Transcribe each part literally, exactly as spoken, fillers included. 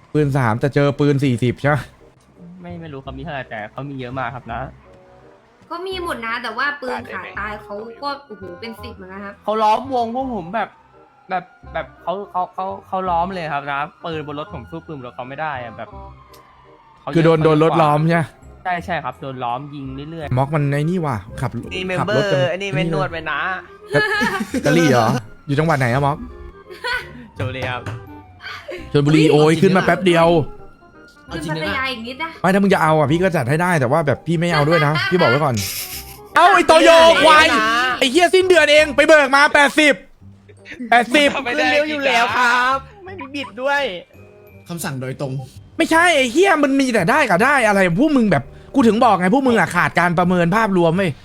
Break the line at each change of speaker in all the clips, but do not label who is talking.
ปืนสามแต่เจอปืนสี่สิบใช่ไหม
ไม่ไม่รู้เขามีเท่าไหร่แต่เขามีเยอะมากครับนะ
ก็มีหมดนะ แต่ว่าปืนขาตายเขาก็โอ้โหเป็นสิบเหมือนกันครับ
เขาล้อมวงพวกผมแบบแบบแบบเขาเขาเขาเขาล้อมเลยครับนะปืนบนรถผมสู้ปืนบนรถเขาไม่ได้อะแบบเขา
คือโดน
เยะ
โดนรถ
กว่า
ล้อมใช่ไหม
ใช่ใช่ครับโดนล้อมยิงเรื่อย
ม็อกมันไอ้นี่ว่ะขับ
ๆนี่เมม
ขับ
เบอ
รถจ
ร์อันนี้เมนนวดไปนะ
กะลี่เหรออยู่จังหวัดไหนอะม็อก
โจเลยครับ
ชลบุรีโอ้ยขึ้นมาแป๊บเดียว
ขึ้นพัทยาอีกนิดนะ
ไม่ถ้ามึงจะเอาอ่ะพี่ก็จัดให้ได้แต่ว่าแบบพี่ไม่เอาด้วยนะพี่บอกไว้ก่อน เอาไอ้โตโยควายไอ้เฮียสิ้นเดือนเองไปเบิกมาแปดสิบแปดสิบ
ขึ้นเร็วอยู่แล้วครับ ไม่มีบิดด้วย
คำสั่งโดยตรง
ไม่ใช่ไอ้เฮียมันมีแต่ได้กับได้อะไรพวกมึงแบบกูถึงบอกไงพวกมึงอ่ะขาดการประเมินภาพรวมเว้ย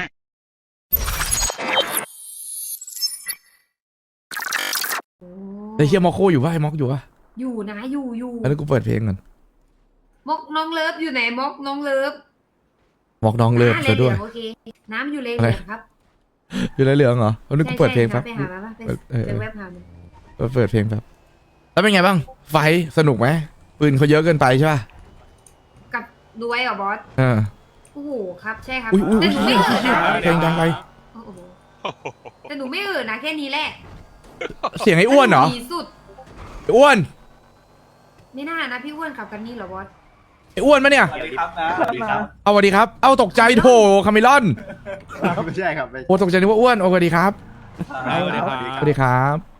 ไอ้เฮียมอโคอยู่ปะไอ้ม็อกอยู่ปะ
อยู่นะอยู่อยู่
แล้วกูเปิดเพลงก่อน
มกน้องเลิฟอยู่ไหนมกน้องเลิฟ
ม็อกน้องเลิฟ
อ่า
ซะด้วย
เหลืองๆโอเคน้ำอยู่เลย
อะไร
เหลืองครับ
อยู่ในเหลืองเหรอแล้วนี่กูเปิดเพลง
ใช่
แป๊บ
ใช่ไปหามาป่ะไป
เออเออ
เจอแวบหามัน
เปิดเพลงแป๊บแล้วเป็นไงบ้างไฟท์สนุกไหมปืนเขาเยอะเกินไปใช่ป่ะ
กับดูไว้เหรอบอส
เออ
โอ้โหครับใช่ครับ
อุ้ยอุ้ย
แต่หนูไม่เอ่ยนะ
เพลงดังไป
โอ้โหแต่หนูไม่เอ่ยนะแค่นี้แหละ
เสียงไอ้อ้วนเหรอ
ดีสุด
ไอ้อ้วน
ไม่น่านะพี่อ้วนขับกันนี่เหรอบอส
ไอ้อ้วนมะเนี่ย
สวัสดีครับนะสวัสดีครับ
เอาสวัสดีครับ เอาตกใจโถคาเมลอน
ไม่ใช่ครับไม่
โอ้ตกใจนึกว่าอ้วนโอ้สวัสดีครับ
สวัสดีครับ
สวัสดีครับ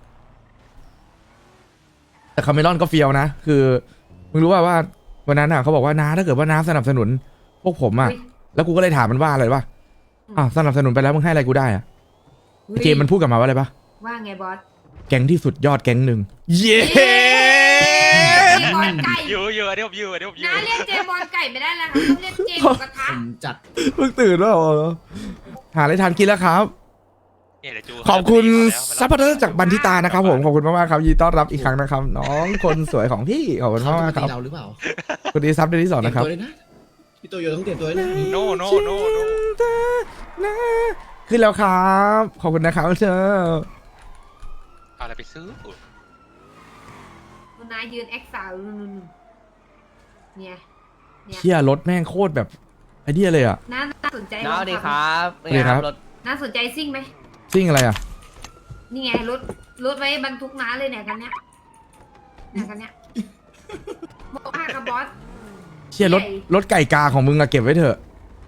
แต่คาเมลอนก็เฟียวนะ คือมึงรู้ป่าว่าวันนั้นอ่ะเขาบอกว่าน้าถ้าเกิดว่าน้าสนับสนุน พวกผมอ่ะ
อุ๊ย
แล้วกูก็เลยถามมันว่าอะไรป่ะอ้าวสนับสนุนไปแล้วมึงให้อะไรกูได้อ่ะไอ้เจมมันพูดกลับมาว่าอะไรป่ะ
ว่าไงบอส
แก๊งที่สุดยอดแก๊งหนึ่งเย้
เจบอลไก่
ยูยูอันนี้ผมยูอันนี้ผมยู
น้าเรียกเจบอลไก่ไม่ได้แล้วครับต้องเรียกเจหมูกระทะ
ผมจัด
เพิ่งตื่นแล้วเหรอหาอะไรทานกินแล้วครับ
เนี่ยเดี๋ยวจู
ขอบคุณ
แล้ว
ซัพพอร์เตอร์จากบันทิตานะครับผมขอบคุณมากๆครับยินดีต้อนรับอีกครั้งนะครับ น้องคนสวยของพี่ขอบคุณ
เขา
มาก
จะ
ๆครับ
ตีเราหรือเปล่า
คุณดีซับเดือนที่สอง
เตรีย
นะ
ม
ครับ
ตัวเลยนะพี่โตโยต้องเตรียมตัวเลยนะ
โนโนโนโน
ขึ้นแล้วครับขอบคุณนะครับเธอ
เอาอะไรไปซื้อ
คุณนายยืนแอคสาวนู่นๆเนี่ยเนี่ย
เชี่ยรถแม่งโคตรแบบไอเดียเลยอ่ะ
น่าสนใจ
น้าสวัสดีค
ลองขั
รับ
สวัสดีครับ
รถ
น่าสนใจซิ่งไหม
ซิ่งอะไรอ่ะ
นี่ไงรถรถไว้บรรทุกน้าเลยเนี่ยกันเนี้ยเนี่ยกันเนี้ยบอกว่ากับบอส
เชี่ยรถ
ใหญ่
รถไก่กาของมึงอะเก็บไว้เถอะ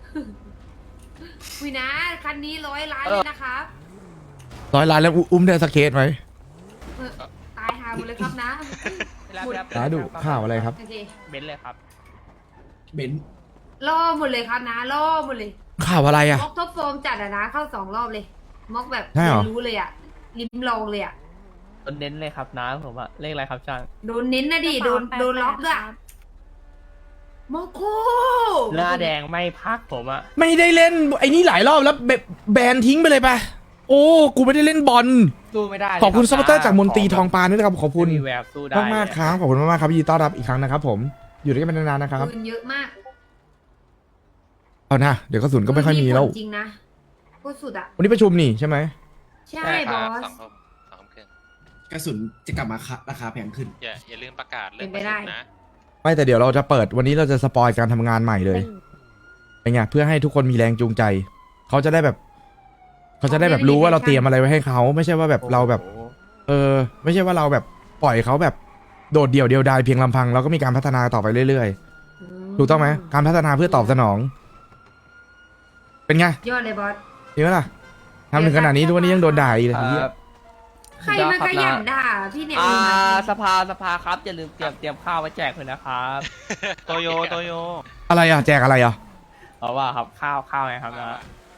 วินะคันนี้ร้อยล้านเลยนะครับ
ร้อยล้านแล้วอุ้มได้สกเคสไหม
เออตายหาหมดเลยครับนะ
น้าดูข่าวอะไรครับ
โอเค
เบนซ์เลยครับ
เบนซ์
ล่อหมดเลยครับนะล่อหมดเลย
ข่าวอะไรอ่ะ
ม็อกท็อปโฟมจัดอะนะเข้าสองรอบเลยม็อกแบบ
ใช่เหรอ
เรียนรู้เลยอะลิ้มลองเลยอะ
โดนเน้นเลยครับน้าผมอะเลขอะไรครับช่าง
โดนเน้นนะดิโดนโดนล็อกด้วยโมโค
หน้าแดงไม่พักผมอะ
ไม่ได้เล่นไอ้นี่หลายรอบแล้วแบแบนทิ้งไปเลยปะโอ้กูไม่ได้เล่นบอล
สู้ไม่ได้ลย
ขอบคุณ
รั
ซัพพอร์เตอร์จากมนตรีทองปานด้วยนะครับขอบคุณ
ไม่มีแววสู้ได้
มากมากๆครับขอบคุณมากๆครับยินดีต้อนรับอีกครั้งนะครับผมอยู่ด้วยกันเป็นนานๆนะครับ
ปืนเยอะมาก
เอานะเดี๋ยวกระสุนก็ไม่ค่อยมีแล้ว
ปืนจริงนะโคตรสุดอะ
วันนี้ประชุมนี่ใช่ไหม
ใช่
ใช่ค
บ
รั
อบ ส
สองทุ่มสองทุ่มครึ่ง
กระสุนจะกลับมาราคาแพงขึ้น
อย่าอย่าลืมประกาศเรื่อง
เป็นไปได้
ประชุมนะ
ไม่แต่เดี๋ยวเราจะเปิดวันนี้เราจะสปอยการทำงานใหม่เลยเป็นไงเพื่อให้ทุกคนมีแรงจูงใจเขาจะได้แบบเขาจะได้แบบรู้ว่าเราเตรียมอะไรไว้ให้เขาไม่ใช่ว่าแบบเราแบบ
โอ้โห
เออไม่ใช่ว่าเราแบบปล่อยเขาแบบโดดเดี่ยวเดียวดายเพียงลำพังเราก็มีการพัฒนาต่อไปเรื่อยๆถูกต้องไหมการพัฒนาเพื่อตอบสนอง เป็นไง
ยอดเลยบอส
ดีไหมล่ะทำถึงขนาดนี้ทุกวันนี้ยังโดนด่าอีกเลย
ค
เหี้ย
รับ
ใครมันขยันด่าพี่เนี่ย
อ่าสภาสภาครับอย่าลืมเตรียมเตรียมข้าวไว้แจกเลยนะครับ
โตโยโตโย
อะไรอ่ะแจกอะไรอ่ะ
เพราะว่าครับข้าวข้าวไงครับนะ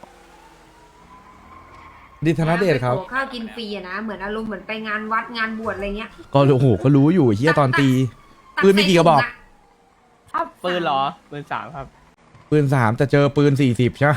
ดิธนเดชครับ
โอ้ข้าวกินฟรีอะนะเหมือนอารมณ์เหมือนไปงานวัดงานบวชอะไรเงี้ย
ก็โอ้โหก็รู้อยู่เฮียตอนตี ปืนมีกี่กระบอก
ครับปืนเหรอปืนสามครับ
ปืนสามแต่เจอปืนสี่สิบใช่ไหม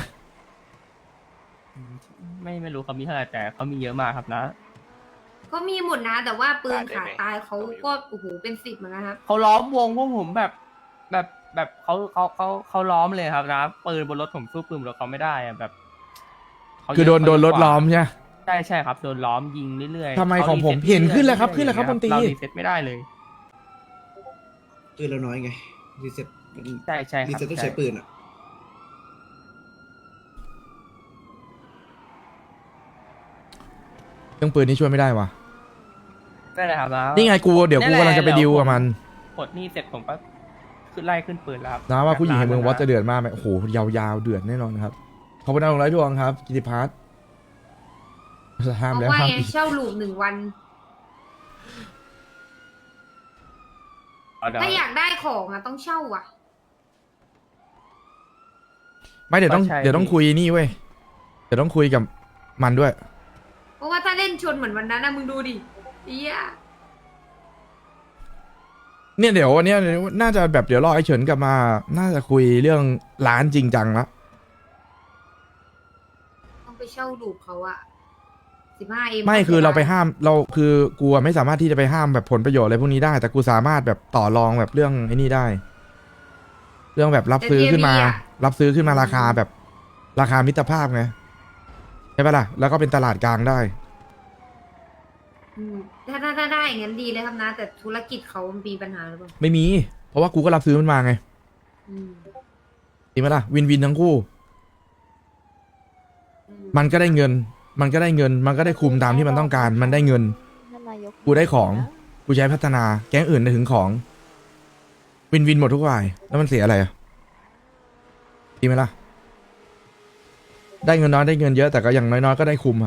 ไม่ไม่รู้เขามีเท่าไหร่แต่เขามีเยอะมากครับนะ
ก็มีหมดนะ แต่ว่าปืนขาตายเขาก็โอ้โหเป็นสิบเหมือนกันครับ
เขาล้อมวงพวกผมแบบแบบแบบเขาเขาเขาเขาล้อมเลยครับนะปืนบนรถผมสู้ปืนบนรถเขาไม่ได้อะแบบเขาเยะ
คือโดนโดนรถ
กว่า
ล้อมใช่ไหม
ใช่ใช่ครับโดนล้อมยิงเรื่อยๆ
ทำไม
ขา
ของผม
รีซ็ต
เห็นขึ้นแล้วครับ
รื่อยๆ
ขึ้นแล้วครับ
อย่างเงี้ย
บนตี
เรารีเซ็ตไม่ได้เลย
ปืนเราน้อยไงรีเซ็ต
ใช่ใช่ค
รี
รับ
เซ็ตต้อง
ใช่
ใช้ปืนอ่ะ
เรื่องปืนนี่ช่วยไม่ได้วะ
ได้เลยครับนะ
นี่ไงกูเดี๋ยวกูกำลังจะไปดิวกับมัน
ปลดหนี้เสร็จผมก็ขึ้นไล่ขึ้นปืนแล้วครับ
นะว่าผู้หญิงแห่งเมืองวอตจะ
เดือด
เดือดมากไหมโอ้โหยาวๆเดือดแน่นอนครับขอบคุณดาวดวงไร้ดวงครับกิติพัฒน์ห้าม
เพ
แล้ว
ราะว่า
ห้าม
ไง
อีก
เช่าลูปหนึ่งวัน ถ้าอยากได้ของอ่ะต้องเช่าอ่ะ
ไม่เดี๋ยวต้องเดี๋ยวต้องคุยนี่เว้ยเดี๋ยวต้องคุยกับมันด้วย
เพราะว่าถ้าเล่นชนเหมือนวันนั้นนะมึงดูดิเอี้ย
เนี่ยเดี๋ยววันเนี้ยน่าจะแบบเดี๋ยวรอไอ้เฉินกลับมา น่าจะคุยเรื่องร้านจริงจังละ
ต้องไปเช่าลูปเขาอะสิบห้าเอ็ม
ไม่คือเราไปห้ามเราคือกูอะไม่สามารถที่จะไปห้ามแบบผลประโยชน์อะไรพวกนี้ได้ แต่กูสามารถแบบต่อรองแบบเรื่องไอ้นี่ได้ เรื่องแบบรับซื้อขึ้นมา รับซื้อขึ้นมาราคาแบบราคามิตรภาพไงใช่ปะล่ะแล้วก็เป็นตลาดกลางได้
อืมถ้าถ้าถ้าได้อย่างนั้นดีเลยครับนะ แต่ธุรกิจเขามีปัญหาหรือเปล่า
ไม่มี เพราะว่ากูก็รับซื้อมันมาไง
อืม
จริงไหมล่ะวินวินทั้งคู่
อื
มันก็ได้เงิน มันก็ได้เงิน มันก็ได้คุมตามที่มันต้องการ มันได้เงิน
ท่านนายก
กูได้ของ กูใช้พัฒนา แก๊งอื่นได้ถึงของ วินวินหมดทุกฝ่าย แล้วมันเสียอะไรอ่ะดีไหมล่ะ ได้เงินน้อยได้เงินเยอะแต่ก็อย่างน้อยๆก็ได้คุมอ่ะ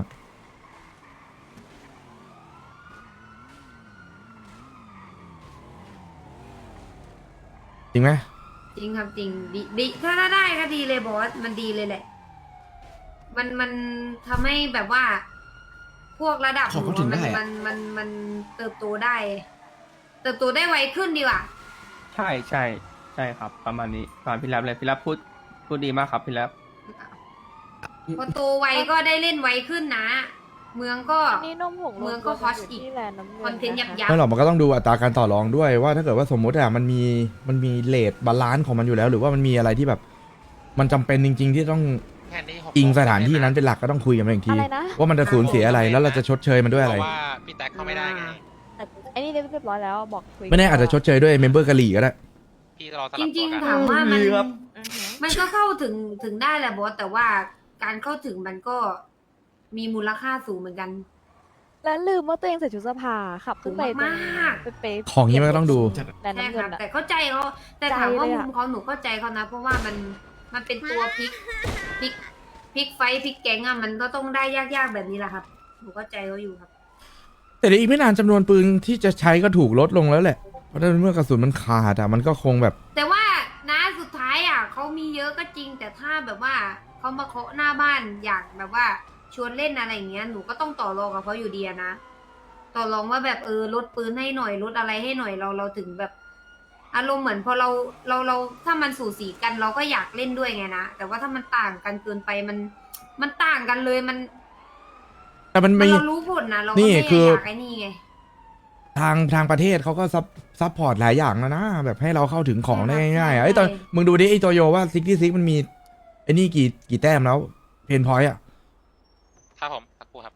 จริงไหม
จริงครับจริงดีดีถ้าถ้าได้ก็ดีเลยบอสมันดีเลยแหละ มันมันทำให้แบบว่า พวกระดับ
ขอเขาถึง
มั
ได้อะ
มันมันมันเติบโตได้ เติบโตได้ไวขึ้นดีกว่า
ใช่ใช่ใช่ครับ ประมาณนี้ตามพี่แรปเลยพี่แรปพูดพูดดีมากครับพี่แรป
พอโตไวก็ได้เล่นไวขึ้นนะ เมืองก็
อันนี้นมผง
เมืองก็
รวม
ฮอต
ยู่
อีก
ที่แลนด์น้ำเงิน
คอนเทนต์
ะคะ
ยับ
ไม่หรอกมันก็ต้องดูอัตราการต่อรองด้วยว่าถ้าเกิดว่าสมมติอะมันมีมันมีเลทบาลานซ์ของมันอยู่แล้ว หรือว่ามันมีอะไรที่แบบ มันจำเป็นจริง ๆ ที่ต้อง
แค่นี้หก
อิง
โม
สถานที่นั้นเป็นหลักก็ต้องคุยกันมาอีกที
อะไรนะ
ว่ามันจะสูญเสียอะไรแล้วเราจะชดเชยมันด้วย
เพ
อะไร
ราะว่าพี่แท็กเข้าไม่ได้ไง
แต่ไอ้นี่เรียบร้อยแล้วบอกคุย
ไม่แน่อาจจะชดเชยด้วยเมมเบอร์กะหรี่ก็ได้
พี่รอส
จ
ลับ
ริ
ตั
ง
วกัน
ๆถามว่ามัน
ครับ
อือหือ
มันก็เข้าถึงถึงได้แหละบอสแต่ว่าการเข้าถึงมันก็มีมูลค่าสูงเหมือนกัน
แล้วลืมว่าตัวเองใส่ชุดสภาขับขึ้นไปตรง
มาก
ไปไป
ของนี้มันก็ต้องดู
แลนด์
ใช่
น้ำ
ค
เงิ
รับ
นอะ
แต่เข้าใจเขาแต่ถามว่า
ใจเลย
มุ
อะ
มเขาหนูเข้าใจเขานะ เพราะว่ามันมันเป็นตัวพลิกพลิกพลิกไฟท์พลิกแก๊งอะมันก็ต้องได้ยากๆแบบนี้แหละครับหนูเข้าใจเขาอยู่ครับ
แต่เดี๋ยวอีกไม่นานจำนวนปืนที่จะใช้ก็ถูกลดลงแล้วแหละ เพราะเมื่อกระสุนมันขาดอะมันก็คงแบบ
แต่ว่านะสุดท้ายอ่ะเขามีเยอะก็จริง แต่ถ้าแบบว่าเขามาเคาะหน้าบ้านอยากแบบว่าชวนเล่นอะไรอย่างเงี้ยหนูก็ต้องต่อรองกับเขาอยู่ดีอะนะต่อรองว่าแบบเออลดปืนให้หน่อยลดอะไรให้หน่อยเราเราถึงแบบ อารมณ์เหมือนพอเราเราเราถ้ามันสูสีกันเราก็อยากเล่นด้วยไงนะแต่ว่าถ้ามันต่างกันเกินไปมันมันต่างกันเลยมัน
แต่มัน
มัน
มี
เรารู้ผลนะเราก็
นี่
ไม่
คือ
อยากไอ้นี่ไง
ทางทางประเทศเขาก็ซับซับพอร์ตหลายอย่างแล้วนะ แบบให้เราเข้าถึงของได้ง่ายๆอะไอ้ยตอนมึงดูดิไอ้โตโยว่าซิกที่ซิกมันมีไอ้นี่กี่กี่แต้มแล้วเพนพอยต์อะ
ครับผมสักครู่ครับ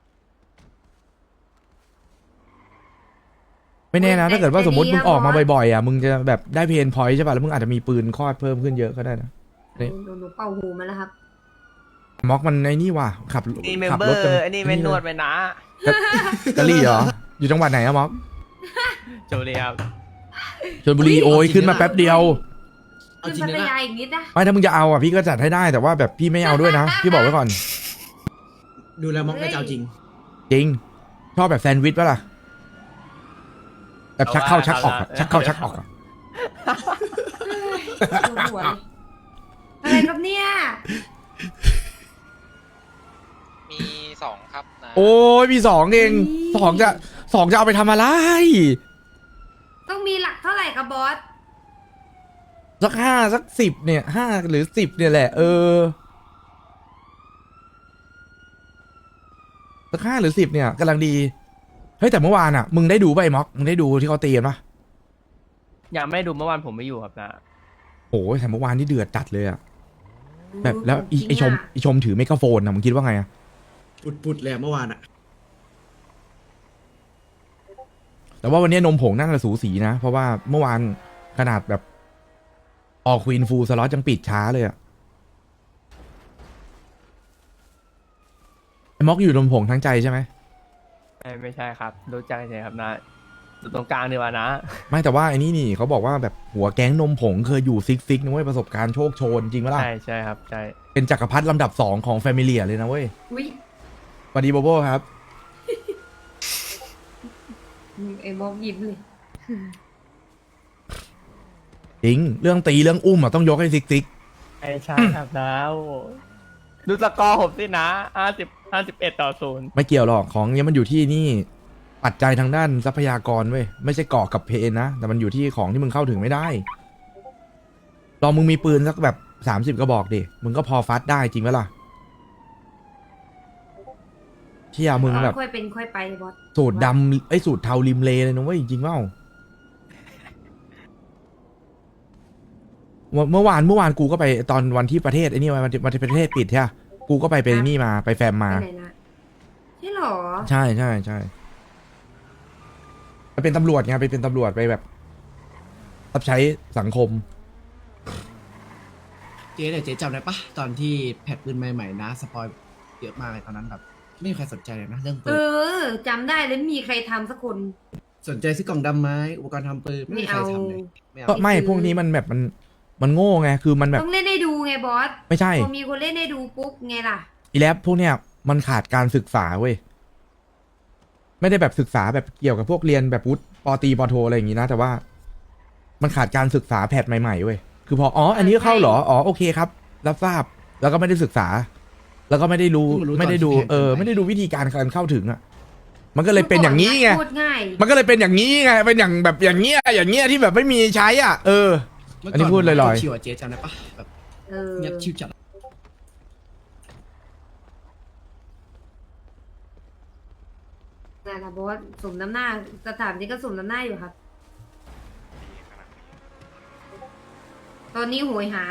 ไม่แน่นะ ถ้าเกิดว่าสมมติมึงออกมาบ่อยๆอะมึงจะแบบได้เพนพอยต์ใช่ป่ะแล้วมึงอาจจะมีปืนคลอดเพิ่มขึ้นเยอะก็ได้นะ
หนูหนูหนูเป่าหูมาแล้วครับ
ม็อกมันไอ้นี่ว่ะขับ
นี่เมม
ขับ
เบอ
รถกัน
ร์ไอ้นี่เป็นนวดไปนะ
กะลี่เหรอ อยู่จังหวัดไหนอะม็อก
โจเลียครับ
ชลบุรีโอ้ยขึ้นมาแป๊บเดียว
เอา
ขึ้น
จริง
พั
นะ
ทยาอีกนิดนะ
ไม่ถ้ามึงจะเอาอ่ะพี่ก็จัดให้ได้แต่ว่าแบบพี่ไม่เอาด้วยนะ พี่บอกไว้ก่อน
ดูแลม็อกน่าจะเอาจริง
จริง ชอบแบบแซนด์วิชปะล่ะแบบชักเข้าชักออกอะชักเข้าชักออกอะ
ปวดหัวเลยอะไรครับเนี่ย
มีสองครับนะ
โอ้ยมีสองเองสองจะสองจะเอาไปทำอะไร
ต้องมีหลักเท่าไหร่ครับบอส
สักห้าสักสิบเนี่ยห้าหรือสิบเนี่ยแหละ เออสักห้าหรือสิบเนี่ยกำลังดีเฮ้ยแต่เมื่อวานอ่ะมึงได้ดูป่ะไอ้ม็อกมึงได้ดูที่เขาตีกันปะ
ยังไม่ได้ดูเมื่อวานผมไม่อยู่ครับนะ
โอ้ยแต่เมื่อวานนี่เดือดจัดเลยอ่ะแบบแล้วอีไอชมไอชมถือไมโครโฟนอ่ะมึงคิดว่าไงอ่ะ
ปุดๆเลยอะเมื่อวานอะ
แต่ว่าวันนี้นมผงน่าจะสูสีนะ เพราะว่าเมื่อวานขนาดแบบออกควีนฟูลสล็อตยังปิดช้าเลยอะไอ้ม็อกอยู่ลมผงทั้งใจใช่ไหม
ไม่ไม่ใช่ครับรู้จักเฉยๆครับนะอยู่ตรงกลางดีกว่านะ
ไม่แต่ว่าไอ้นี่นี่เขาบอกว่าแบบหัวแก๊งนมผงเคยอยู่ซิกซิกนะเว้ยประสบการณ์โชคโชนจริงปะล่ะ
ใช่ใช่ครับใช่
เป็นจักรพรรดิลำดับสองของแฟมิเลียเลยนะเว้ย
อุ้ย
สวัสดีโบโบครับ
ไอ้บอกยิ้มเลย
จริงเรื่องตีเรื่องอุ้มอะต้องยกให้ซิกซิก
ไม่ใช่ครับนะโอ้โหดูสกอร์ผมสินะห้าสิบห้าสิบเอ็ดต่อศูนย์
ไม่เกี่ยวหรอกของเนี้ยมันอยู่ที่นี่ปัจจัยทางด้านทรัพยากรเว้ยไม่ใช่เกาะกับเพนนะแต่มันอยู่ที่ของที่มึงเข้าถึงไม่ได้ลองมึงมีปืนสักแบบสามสิบกระบอกดิมึงก็พอฟัดได้จริงไหมล่ะเที่ยมึงแบบ
ค่อยเป็นค่อยไปบอส
สูตรดำไอ้ยสูตรเทาริมเลเลยนะเว้ยจริงเปล่าเมื่อเมื่อวานเมื่อวานกูก็ไปตอนวันที่ประเทศไอ้นี่วันที่วันที่ประเทศปิดใช่ปะกูก็ไปเป็นนี่มาไปแฟมมา
ไปไหนนะใช่หรอ
ใช่ใช่ใช่ไปเป็นตำรวจไงไปเป็นตำรวจไปแบบรับใช้สังคม
เจ๊เนี่ยเจ๊จำได้ปะตอนที่แพทปืนใหม่ๆนะสปอยเยอะมากเลยตอนนั้นแบบไม่มีใครสนใจเลยนะเรื่องปื
เอน อจำได้แล้วมีใครทำสักคน
สนใจซื้อกล่องดำไม้อุปกรณ์ทำปืนไม่
ไม่
มีใคร
เอา
ทำเลยไม่เอา
ก็ไม่พวกนี้มันแบบมันมันโง่ไงคือมันแบบ
ต้องเล่นให้ดูไงบอส
ไม่ใช่
พอมีคนเล่นให้ดูปุ๊บไงล่ะ
อีแลปพวกเนี้ยมันขาดการศึกษาเว้ยไม่ได้แบบศึกษาแบบเกี่ยวกับพวกเรียนแบบวุฒิปอตรีปอโทอะไรอย่างงี้นะแต่ว่า มันขาดการศึกษาแพทใหม่ๆเว้ยคือพออ๋ออันนี้เข้าเหรออ๋อโอเคครับ รับทราบแล้วก็ไม่ได้ศึกษา แล้วก็ไม่ได้รู้ไม่ได้ดูเออไม่ได้ดูวิธีการการเข้าถึงอ่ะมันก็เลยเป็นอย่างนี้ไง
พูดง่าย
มันก็เลยเป็นอย่างนี้ไงเป็นอย่างแบบอย่างเงี้ยอย่างเงี้ยที่แบบไม่มีใช้อ่ะเออ
เมื่
อันนี้พูดลอยๆ
ชิวๆอะเจ๊จำได้ปะแบบ
เออ
เงียบชิวจัด
นั่นแหละบอสสมน้ำหน้าสถานที่ก็สมน้ำหน้าอยู่ครับ ตอนนี้โหยหา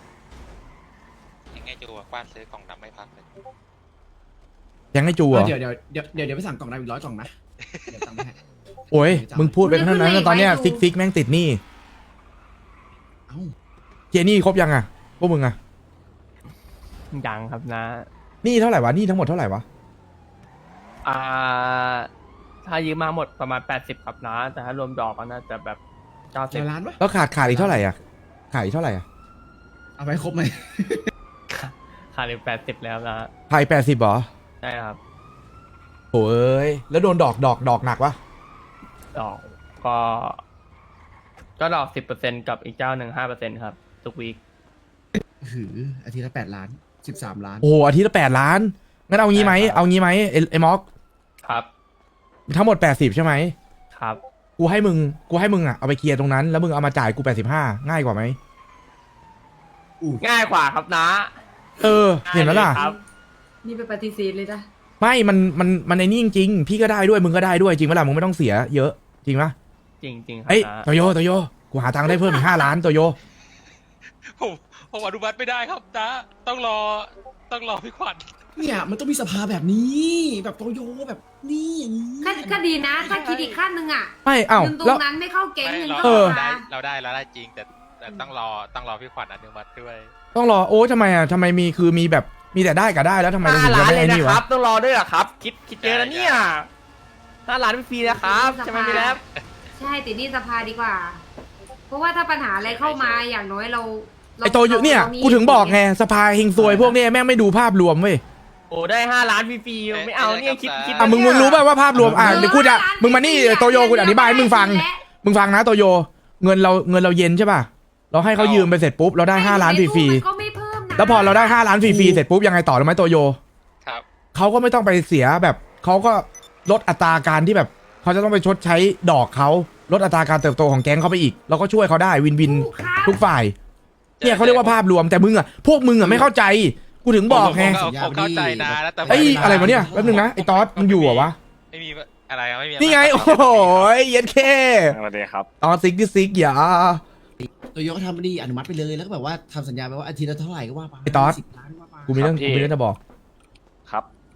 ยังไงจูอะกว้านซื้อกล่องดำไม่พักเลย
ยังให้จูเหรอ
เดี๋ยวเดี๋ยวเดี๋ยวเดี๋ยวเดี๋ยวไปสั่งกล่องดำอีกร้อยกล่องนะเดี๋ยวตังค์ให้
โอ้ยมึงพูดไปเท่านั้นนะตอนเนี้ย
ไม่
ซิกซิกแม่งติดหนี้
เอ้า
เจนี่ครบยังอ่ะพวกมึงอ่ะ
ยังครับนะ
หนี้เท่าไหร่วะหนี้ทั้งหมดเท่าไหร่วะ
อ่า ถ้ายืมมาหมดประมาณแปดสิบครับนะ แต่ถ้ารวมดอกก็น่าจะแบบเก้าสิ
เจ็
บ
ดล้านปะ
แล้วขาดขาดอีกเท่าไหร่อ่ะขาดอีกเท่าไหร่อ่ะ
เอาไปครบไหม
ขาดอีกแปดสิบแล้วนะ
ขาดแปดสิบเหรอ
ใช่ครับ
โอ้ยแล้วโดนดอกดอกดอกหนักวะ
ดอกก็ ก็ดอกสิบเปอร์เซ็นกับอีกเจ้าหนึ่งห้าเปอร์เซ็นครับ ทุกวีค
หืออาทิตย์ละแปดล้านสิบสามล้าน
โอ้โหอาทิตย์ละแปดล้านงั้นเอางี้ไหม
ใช่ครับ
เอางี้ไหมไอ้ไอ้ม็อก
ครับ
ทั้งหมดแปดสิบใช่ไหม
ครับ
กูให้มึงกูให้มึงอ่ะเอาไปเคลียร์ตรงนั้นแล้วมึงเอามาจ่ายกูแปดสิบห้าง่ายกว่าไหม
ง่ายกว่าครับนะ
เออเห็นไหมล่ะ
ครับ
นี่ไปปฏิเสธเลยนะ
ไม่มันมันมันไอ้นี่จริงๆพี่ก็ได้ด้วยมึงก็ได้ด้วยจริงไหมล่ะมึงไม่ต้องเสียเยอะจริงปะ
จริงจริงๆครับ
เอ้ย
นะ
โตโยโตโยกูหาตังค์ได้เพิ่มอีกห้าล้านโตโย
ผมผมอนุมัติไม่ได้ครับนะต้องรอต้องรอพี่ขวัญ
เนี่ยมันต้องมีสภาแบบนี้ แบบโตโยแบบนี่อย่างนี้
ก็ก็ดีนะ ถ้าคิดอีกขั้นหนึ่งอ่ะ
ไม่เอ้า
เงินตร
แล้ว
งนั้นไม่เข้าแก๊ง
ไม่
เงิน
เรา
เข้า
เออ
ส
ได้
ภา
เราได้เราได้จริงแต่แต่ต้องรอต้องรอพี่ขวัญอนุมัติด้วย
ต้องรอโอ้ทำไมอ่ะทำไมมีคือมีแบบมีแต่ได้กับได้แล้วทำไมเรา
ห้า
ถึงจะ
ล้าน
ไม่
เลย
ไอ้
นะ
นี่
คว
ะ
รับ ต้องรอด้วยเหรอครับ คิดคิดเยอะนะเนี่ยห้าล้านฟรีนะครับใช่ไหมพี่แล้
ใช่ติดหนี่สภาดีกว่า เพราะว่าถ้าปัญหาอะไรเข้ามาอย่างน้อยเรารา
ไอโตโยเนี่ย
รามี
กูถึงบอกไงสภาเฮงซวยพวกเนี้ยแม่งไม่ดูภาพรวมเว้ย
โอ้ได้ห้าล้านฟรีๆไม่เอาเนี่ยคิดคิด
อ่ะมึงมึงรู้ป่ะว่าภาพรวมอ่ะเดี๋ยวกูจะมึงมานี่โตโยกูจะอธิบายให้มึงฟัง มึงฟังนะโตโยเงินเราเงินเราเย็นใช่ป่ะเราให้เขายืมไปเสร็จปุ๊บเราได้ห้าล้านฟรี
มันก็ไม่เพิ่มนะ
ๆแล้วพอเราได้ห้าล้านฟรีๆเสร็จปุ๊บยังไงต่อรู้ไหมโตโย
ครับ
เขาก็ไม่ต้องไปเสียแบบเขาก็ลดอัตราการที่แบบเขาจะต้องไปชดใช้ดอกเขาลดอัตราการเติบโตของแก๊งเขาไปอีกเราก็ช่วยเขาได้วินวิน
ถูกครับ
ทุกฝ่ายเนี่ยเขาเรียกว่าภาพรวมแต่มึงอ่ะพวกมึงอ่ะไม่เข้าใจกูถึงบอกไง
ผมผมผมเข้าใจนะแล้วแต่
ไอ้ยอะไรวะเนี่ยแป๊บนึงนะไอ้ตอสมันอยู่เหรอวะ
ไม่มีอะไรครับไม่มี
นี่ไงโอ้โหเย็ดเค
สวัสดีครับ
ตอซิกที่ซิกอย่า
โตโยก็ทำไม่ดีอนุมัติไปเลยแล้วก็แบบว่าทำสัญญาไปว่าอาทิตย์ละเท่าไหร่ก็ว่าไป
ไอ้ตอส
สิบล้านว่าไป
กูมีเรื่อง
ครับพี่
กูมีเรื่องจะบอก
ครับ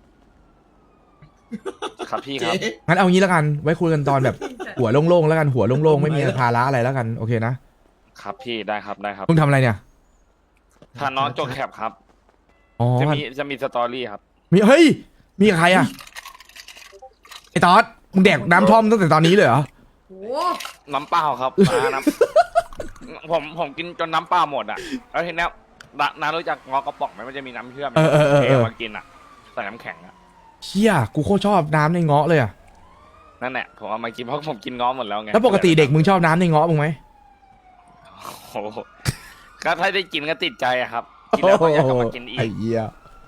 ครับพี่ค
เจ๊
รับ
งั้นเอางี้แล้วกันไว้คุยกันตอนแบบหัวโล่งๆแล้วกันหัวโล่งๆไม่มีภาระอะไรแล้วกันโอเคนะ
ครับพี่ได้ครับได้ครับ
มึงทำอะไรเนี่ย
ถ้าน้องจกแคปครับ
อ๋อ
จะมีจะมีสตอรี่ครับ
มีเฮ้ย มีกับใครอ่ะ ไอ้ตอดมึงแดกน้ำท่อมตั้งแต่ตอนนี้เลยเหรอ
โห
น้ำเปล่าครับ น้าน้ำ ผมผมกินจนน้ำเปล่าหมดอ่ะแล้วทีเนี้ยน้าน้ารู้จักงอกระป๋องไหมมันจะมีน้ำเชื่อม
เออเออเออเออ
มากินอ่ะใส่น้ำแข็งอ่ะ
เชี่ยกูโคตรชอบน้ำในเงาะเลยอ่ะ
นั่นแหละผมเอามากินเพราะผมกินง้อหมดแล้วไง
แล้วปกติเด็กมึงชอบน้ำในเงาะมึงไหม
โอ้โหก็ถ้าได้กินก็ติดใจอะครับกินแล้วก็อยากกลับมากินอี
ไอ้
ก
เหี้ย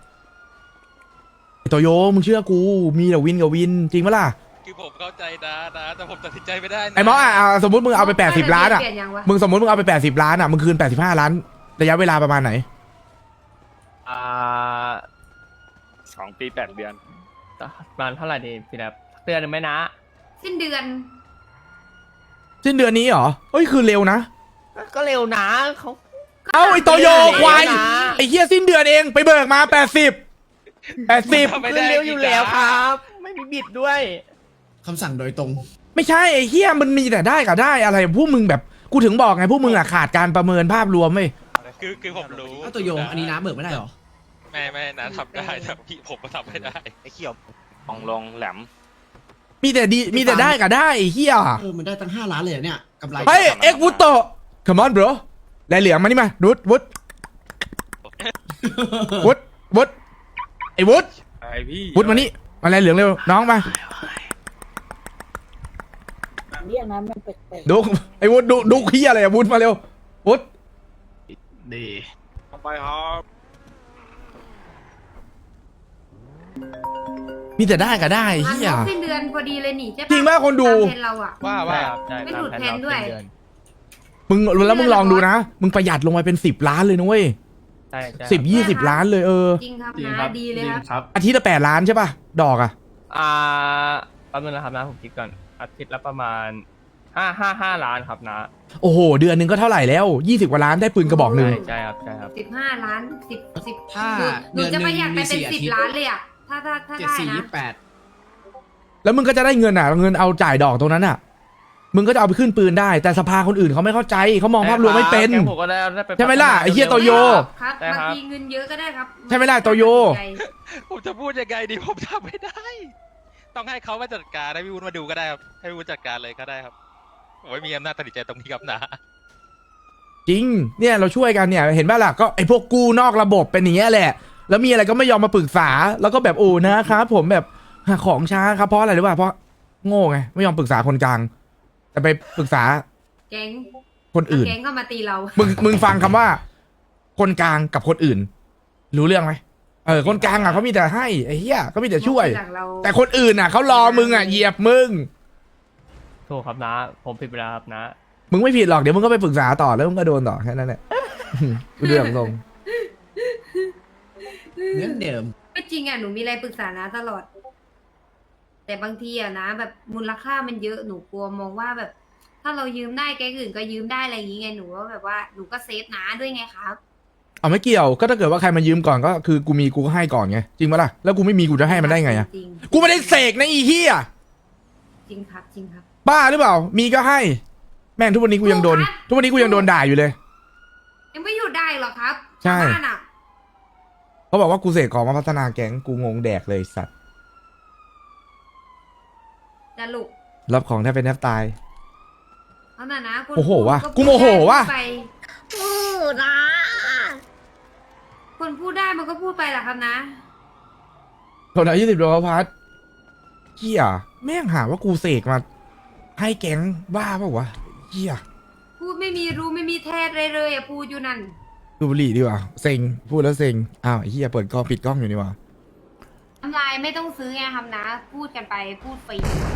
ไอ้โตโยมึงเชื่อกู มีแต่วินกับวิน จริงปะล่ะ
คือผมเข้าใจนะนะแต่ผมตัดสินใจไม่ได้นะ
ไอ้หมออ่ะอ่ะสมมติมึงเอาไปแปดสิบล้านอ่ะ
เปลี่ยนยังวะ
มึงสมมติมึงเอาไปแปดสิบล้านอ่ะ มึงคืนแปดสิบห้าล้าน ระยะเวลาประมาณไหน
อ่า
สองปีแปดเดือน
ประมาณเท่าไหร่ดีพี่แรบเดือนหนึ่งไหมนะ
สิ้นเดือน
สิ้นเดือนนี้เหรอ เฮ้ย คือเร็วนะ
ก็เร็วนะเขา
เอ้าไอ้โตโยควาย
เร็วนะ
ไอ้เหี้ยสิ้นเดือนเอง ไปเบิกมาแปดสิบแปดสิบ
ทำไม่
คือ
ได้
เร็วอยู่แล้วครับ ไม่มีบิดด้วย
คำสั่งโดยตรง
ไม่ใช่ไอ้เหี้ยมันมีแต่ได้กับได้อะไรพวกมึงแบบ กูถึงบอกไงพวกมึงอ่ะขาดการประเมินภาพรวมเว้ย
คือคือผมรู้
อ้าวตัวโยงอันนี้น้าเบิกไม่ได้เหรอ
ไม่ไม่นะทำได้แต่พี่ผมก็ทำไม่ได้ไอ้เขียว
ลองลงแหลม
มีแต่ดีมีแต่ได้กับได้ไอ้เหี้ย
เออ มันได้ตั้งห้าล้านเลยเหรอเนี่ยกำไร
เฮ้ยเอ็กวุตโต come on bro แลเหลืองมานี่มาวุฒวุฒวุฒวุฒไอ้วุฒ
ไอพี่
วุฒมานี่มาแลเหลืองเร็วน้องมา
เรียกนะมันแปลก
ดูไอ้วุฒดูดูขี้ยอะไรอะวุฒมาเร็ววุฒ
ดี
ไปครับ
มีแต่ได้กับได้ไอ้
งาน
เหี้ย
ครบสิ้นเดือนพอดีเลยนี่ใช่ปะ
จริงป่ะคนดู
ตามแผนเราอ่ะ
ว่า
ใช่
ว่า
ครับใช่
ไม่หลุด
ตา
แผนด้วย
เดือน
มึงแล้วมึงลองดูนะ มึงประหยัดลงไปเป็นสิบล้านเลยนะเว้ย
ใช่ใช่
สิบยี่สิบล้านเลยเออ
จริงครับ
จริง
นะครับ ดีเลยครับ
อาทิตย์ละแปดล้านใช่ป่ะ ดอกอะ
อ่าแป๊บนึงนะครับนะผมคิดก่อนอาทิตย์ละประมาณห้าห้าห้าล้านครับนะ
โอ้โห เดือนหนึ่งก็เท่าไหร่แล้วยี่สิบกว่าล้านได้ปืนกระบอกหนึ่ง
ใช่ใช่ครับใช่ครับ
สิบห้าล้านสิบสิบ
ถ้า
หนูหนูจะประหยัดไป
เดือนหนึ่งมีสี่
เป็นสิบ
อาทิตย์
ล้านเลยอ่ะ ถ้าถ้าถ้า
เจ็ด
ได้
สี่
นะ
ยี่สิบแปด
แล้วมึงก็จะได้เงินอ่ะ เงินเอาจ่ายดอกตรงนั้นอ่ะ มึงก็จะเอาไปขึ้นปืนได้ แต่สภาคนอื่นเขาไม่เข้าใจเขามองภาพรวมไม่เป็น
แก๊งผมก็ได้ได้ป
ใช่ไหมล่ะไอ้เหี้ยโตโย
ครับ
ใช่
บาง
ครับ
ทีเงินเยอะก็ได้ครับ
ใช่ไหมล่ะโตโย
ผมจะพูดยังไงดีผมทำไม่ได้ ต้องให้เขามาจัดการให้พี่วุ้นมาดูก็ได้ครับให้พี่วุ้นจัดการเลยก็ได้ครับผมไม่มีอำนาจตัดสินใจตรงนี้ครับนะ
จริง เนี่ยเราช่วยกันเนี่ย เห็นป่ะล่ะ ก็ไอ้พวกกู้นอกระบบเป็นอย่างเงี้ยแหละ แล้วมีอะไรก็ไม่ยอมมาปรึกษา แล้วก็แบบโอ้นะครับผมแบบหาของช้าครับเพราะอะไรหรือเปล่าเพราะโง่ไง ไม่ยอมปรึกษาคนกลาง แต่ไปปรึกษา
แก๊ง
คนอื่น
แก๊งก็มาตีเรา
มึงมึงฟังคำว่า คนกลางกับคนอื่น รู้เรื่องไหมเออคนกลางอ่ะเขามีแต่ให้ไอ้เหี้ยเขามีแต่ช่วย
หลังเรา
แต่คนอื่นอ่ะเขารอมึงอ่ะเหยียบมึง
ถูกครับนะ ผมผิดไปแล้วครับนะ
มึงไม่ผิดหรอกเดี๋ยวมึงก็ไปปรึกษาต่อแล้วมึงก็โดนต่อแค่นั้นแหละ เรื่องตรง
เงินเดิม
ก็จริงอ่ะหนูมีอะไรปรึกษานะตลอด แต่บางทีอ่ะนะ แบบมูลค่ามันเยอะหนูกลัวมองว่าแบบ ถ้าเรายืมได้แก๊งอื่นก็ยืมได้อะไรอย่างงี้ไงหนูก็แบบว่าหนูก็เซฟนะด้วยไงครับ
เอาไม่เกี่ยวก็ถ้าเกิดว่าใครมายืมก่อนก็คือกูมีกูก็ให้ก่อนไงจริงปะล่ะแล้วกูไม่มีกูจะให้มันได้ไงอ่ะ
จริง
กูไม่ได้เสกนะอีเหี้ย
จริงครับจริงครับ
บ้าหรือเปล่า มีก็ให้ แม่งทุกวันนี้กูยังโดน ทุกวันนี้กูยังโดนด่าอยู่เลย
ยังไม่หยุดได้หรอกครับ
ใช่
ชาวบ้านอ่ะ
เขาบอกว่ากูเสกของมาพัฒนาแก๊งกูงงแดกเลยสัตว์
จะลุก
รับของแทบเป็นแทบตาย
เอาน่ะนะคุณ
โอ้โหว่ะ
พูด
กูโมโหว่ะ
พูดไปพูดนะคนพูดได้มันก็พูดไปแหละครับนะ
โทรศัพท์ยี่สิบดวงพัดเหี้ยแม่งหาว่ากูเสกมา ให้แก๊งบ้าเปล่าวะเหี้ย
พูดไม่มีรู้ไม่มีแท้เลยเลยอ่ะพูดอยู่นั่น
ดูบุหรี่ดีกว่าเซ็งพูดแล้วเซ็งอ้าวไอ้เหี้ยเปิดกล้องปิดกล้องอยู่นี่หว่า
ทำลายไม่ต้องซื้อไงครับนะ พูดกันไปพูดฟรี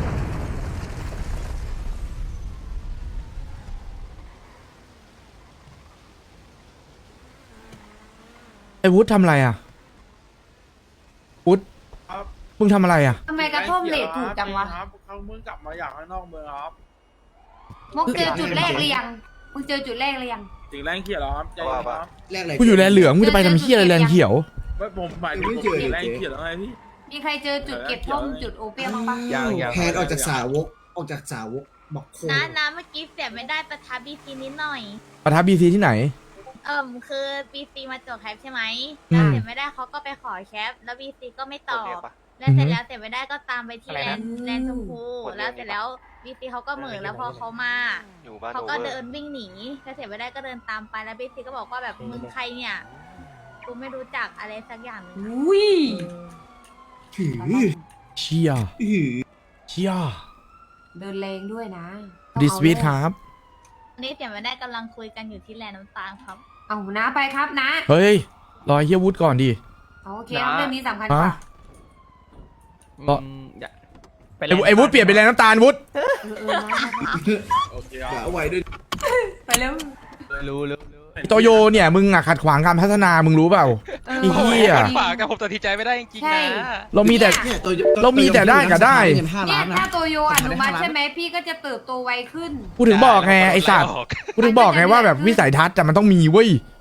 ไอ้วุฒิทำอะไรอ่ะวุฒิมึงทำอะไรอ่ะ
ทำไมกระท่อมเลทถูกจังวะ
ครับเขาเพิ่งกลับมาอยากข้างนอกเมืองครับ
มกเจอจุดแรกหรือยังมึงเจอจุดแรกหรือยัง
ถึงแรงเขียวแล้วครับใจเย็นครับ
แรกอะไร
กูอยู่แลนเหลืองมึงจะไปทำเหี้ยอะไรแลนเขียว
ไม่ผมหมายถึงผมถึงแรงเขียวแล้วไงพี่
มีใครเจอจุดเก็บท่อมจุดโอเปียมบ้างปะ
ยังยัง
แพนออกจากสาวก ออกจากสาวกบอกโค
นะนะเมื่อกี้เสียไม่ได้ประทับบีซีนิดหน่อย
ประทับบีซีที่ไหน
เอิ่มคือบีซีมาจดแคปใช่ไหม
อืม
แล้วเสียไม่ได้เขาก็ไปขอแคปแล้วบีซีก็ไม่ตอบแล้วเสร็จแล้วเสียไม่ได้ก็ตามไปที่
อะไร
แล
นะ
นด์แลนด์ชมพูแล้วเสร็จแล้วบีซีเขาก็เหมือแล้วพอเขามาเขาก็เดินวิ่งหนีแล้วเสียไม่ได้ก็เดินตามไปแล้วบีซีก็บอกว่าแบบมึงใครเนี่ยกูไม่รู้จักอะไรสักอย่างหนึง
อุ้ย
หือ
เชีย
หือ
เชีย
เดินแรงด้วยนะ
ดิสวีทครับ
อันนี้เสียไม่ได้กำลังคุยกันอยู่ที่แลนด์น้ำตาลครับ
เอานะไปครับนะ
เฮ้ย รอเฮียวุฒก่อนดิ
โอเคครับเรื่องนี้สำคัญกว่า
ฮะ
อืมอย่าไป
ไอ้วุไอ้วุฒเปลี่ยนเป็นแรงน้ำตาลวุฒ
เออเออนะ
โอเคค
อย่า
รับ
เอาไว้ด้วย
ไปเร็ว
รู้รู้รู้
โตโยเนี่ยมึงอะขัดขวางการพัฒนามึงรู้เปล่า
เออ
ไอ้เหี้ย
ฝากกับผมตัดสินใจไม่ได้จริง
ใช่
ๆนะ
เรามีแต่
เนี่ยตัว
เรามีแต่ได้กับได้
เงินห้า
เนี่
ล้าย นนะ
ถ้าโตโยอนุมัติ
ผมทำได้ห้าล้าน
ใช่ไหมพี่ก็จะเติบโตไวขึ้น
กูถึงบอกไงไอ้สัตว์
ม่ก
กูถึงบอกไงว่าแบบวิสัยทัศน์แต่มันต้องมีเว้ย